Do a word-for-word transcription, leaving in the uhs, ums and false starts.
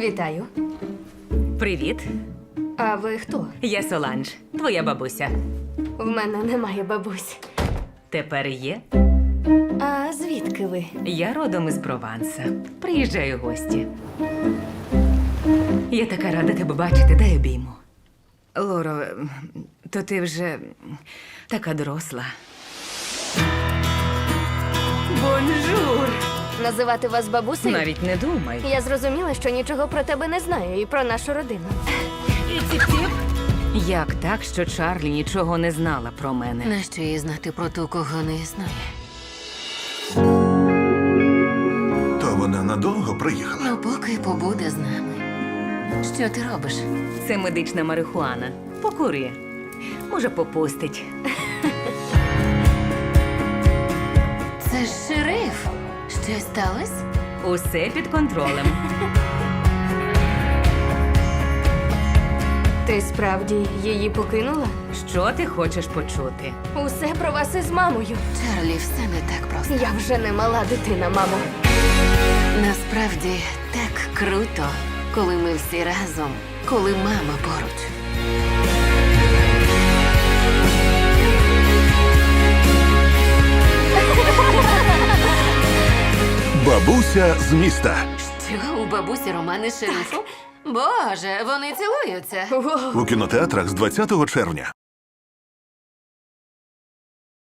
Вітаю. Привіт, А ви хто? я Соланж, твоя бабуся. В мене немає бабусь. Тепер є. А звідки ви? Я родом із Прованса. Приїжджаю в гості. Я така рада тебе бачити, дай обійму. Лоро, то ти вже така доросла. Бонжур! Називати вас бабусею? Навіть не думай. Я зрозуміла, що нічого про тебе не знаю і про нашу родину. Як так, що Чарлі нічого не знала про мене? Нащо їй знати про ту, кого не існує? То вона надовго приїхала. Ну, поки побуде з нами. Що ти робиш? Це медична марихуана. Покури. Може, попустить. Це ж шериф. Щось сталося? Усе під контролем. Ти справді її покинула? Що ти хочеш почути? Усе про вас із мамою. Чарлі, все не так просто. Я вже не мала дитина, мамо. Насправді так круто, коли ми всі разом, коли мама поруч. Бабуся з міста. Що, у бабусі романи з шерифом? Боже, вони цілуються. О, У кінотеатрах з двадцятого червня.